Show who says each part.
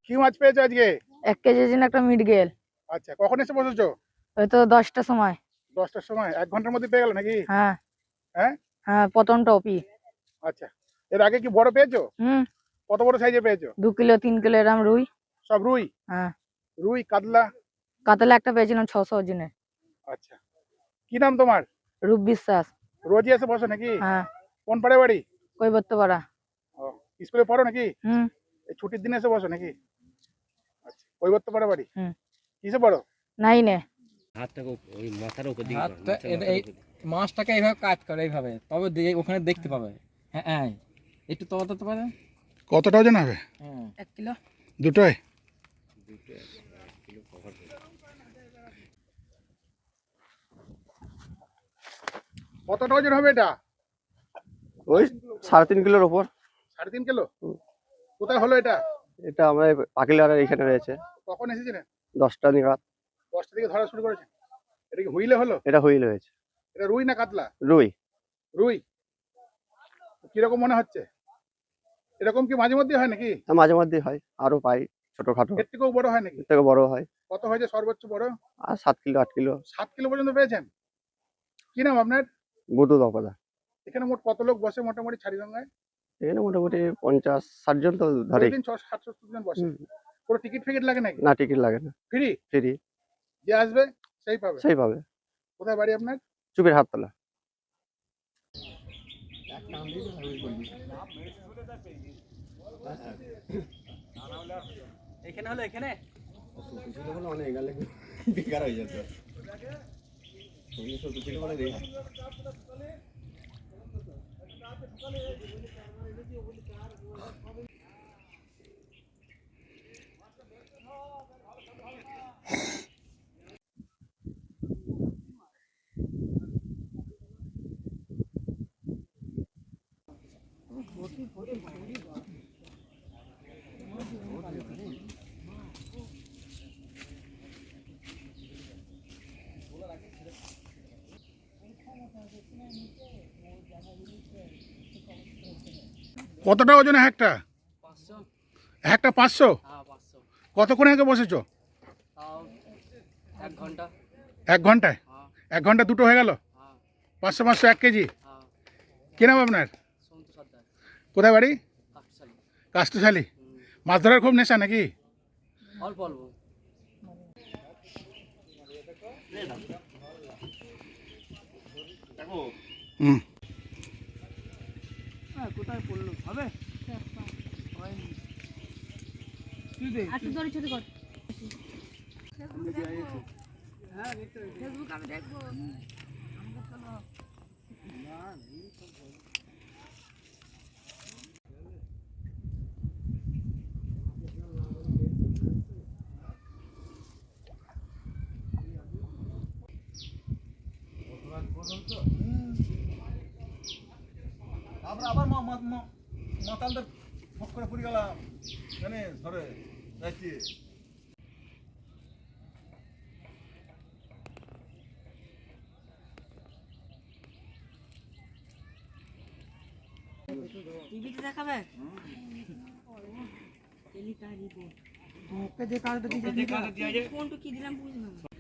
Speaker 1: কি মাছ পেয়েছো আজকে?
Speaker 2: 1 কেজি ওজন একটা মৃগেল।
Speaker 1: আচ্ছা, কখন এসে বসেছো?
Speaker 2: ওই তো 10টার সময়।
Speaker 1: 10টার সময়? 1 ঘন্টার মধ্যে পেয়ে গেল নাকি?
Speaker 2: হ্যাঁ
Speaker 1: হ্যাঁ।
Speaker 2: হ্যাঁ, প্রথম টপি।
Speaker 1: আচ্ছা, এর আগে কি বড় পেয়েছো? কত বড় সাইজে পেয়েছো?
Speaker 2: 2 কিলো 3 কিলো এরম রুই।
Speaker 1: সব রুই?
Speaker 2: হ্যাঁ।
Speaker 1: রুই, কাতলা?
Speaker 2: কাতলা একটা পেয়েছিলাম 600 ওজনের।
Speaker 1: আচ্ছা, কি নাম তোমার?
Speaker 2: রূপ বিশ্বাস।
Speaker 1: রোজই এসে বসো নাকি?
Speaker 2: হ্যাঁ।
Speaker 1: কোন পাড়ে বাড়ি?
Speaker 2: কৈবর্তপাড়া।
Speaker 1: ও, স্কুলে পড়ো নাকি?
Speaker 2: হুম।
Speaker 1: এই ছুটির দিনে এসে বসো নাকি? আচ্ছা, কৈবর্তপাড়া বাড়ি।
Speaker 2: হুম।
Speaker 1: কিসে পড়ো?
Speaker 2: 9-এ।
Speaker 3: হাতটাকে ওই মাথার উপর দিকে
Speaker 4: হাতটা এই মাছটাকে এইভাবে কাট করে এইভাবে, তবে ওখানে দেখতে পাবে। হ্যাঁ হ্যাঁ, একটু তলাতে পারে।
Speaker 1: কতটা ওজন হবে?
Speaker 2: 1 কিলো।
Speaker 1: দুটোই? কতটা ওজন হবে এটা?
Speaker 5: ওই 3.5 কিলোর উপর।
Speaker 1: 3.5 কিলো? কোথায় হলো এটা?
Speaker 5: এটা আমরা পাকিলার এখানে রয়েছে।
Speaker 1: কখন এসেছিলেন?
Speaker 5: 10টা নাগাদ।
Speaker 1: 10টা থেকে ধরা শুরু করেছেন? এটা কি হুইলে হলো?
Speaker 5: এটা হুইল হয়েছে।
Speaker 1: এটা রুই না কাতলা?
Speaker 5: রুই।
Speaker 1: রুই। কিরকম মনে হচ্ছে? এরকম কি মাঝে মধ্যে হয় নাকি?
Speaker 5: মাঝে মধ্যে হয়, আরো পাই ছোটখাটো।
Speaker 1: এর থেকেও বড় হয় নাকি?
Speaker 5: এর থেকে বড় হয়।
Speaker 1: কত হয়েছে সর্বোচ্চ বড়?
Speaker 5: আর 7 কিলো 8 কিলো।
Speaker 1: 7 কিলো পর্যন্ত পেয়েছেন? কি নাম আপনার?
Speaker 5: বুধু দপদা।
Speaker 1: এখানে মোট কত লোক বসে মোটামুটি ছাড়িগঙ্গায়?
Speaker 5: এখানে মোটামুটি 50-60 জন তো ধরে।
Speaker 1: প্রতিদিন 600-700 জন বসে। পুরো টিকিট ফিকিট লাগে নাকি?
Speaker 5: না, টিকিট লাগে না।
Speaker 1: ফ্রি?
Speaker 5: ফ্রি।
Speaker 1: যে আসবে সেই পাবে?
Speaker 5: সেই পাবে।
Speaker 1: কোথায় বাড়ি আপনার?
Speaker 5: চুপের হাততলা।
Speaker 4: এখানে হলো এখানে
Speaker 5: বেকার হয়ে যেত।
Speaker 1: কতটা ওজন একটা?
Speaker 4: 500।
Speaker 1: একটা 500?
Speaker 4: হ্যাঁ 500।
Speaker 1: কতক্ষণ আগে বসেছো?
Speaker 4: তাও 1 ঘন্টা।
Speaker 1: 1 ঘন্টায়?
Speaker 4: হ্যাঁ
Speaker 1: 1 ঘন্টা দুটো হয়ে গেল?
Speaker 4: হ্যাঁ
Speaker 1: 500 1 কেজি?
Speaker 4: হ্যাঁ।
Speaker 1: কি নাম আপনার?
Speaker 4: সন্তু সর্দার।
Speaker 1: কোথায় বাড়ি?
Speaker 4: কাকশালী।
Speaker 1: কাষ্টশালী। মাছ ধরার খুব নেশা নাকি?
Speaker 4: অল্প অল্প।
Speaker 1: হুম।
Speaker 4: কোথায় পড়লো হবে?
Speaker 2: একটু দড়ি ছোট কর। ফেসবুক আমি দেখবো।
Speaker 6: আবার মাতালদের ফক করে পড়ে গেলাম জানে ধরে যাচ্ছি।
Speaker 2: টিভিতে দেখাবে?
Speaker 4: ওকে যে কাজটা দিয়েছে
Speaker 2: কোনটা কি দিলাম বুঝলাম।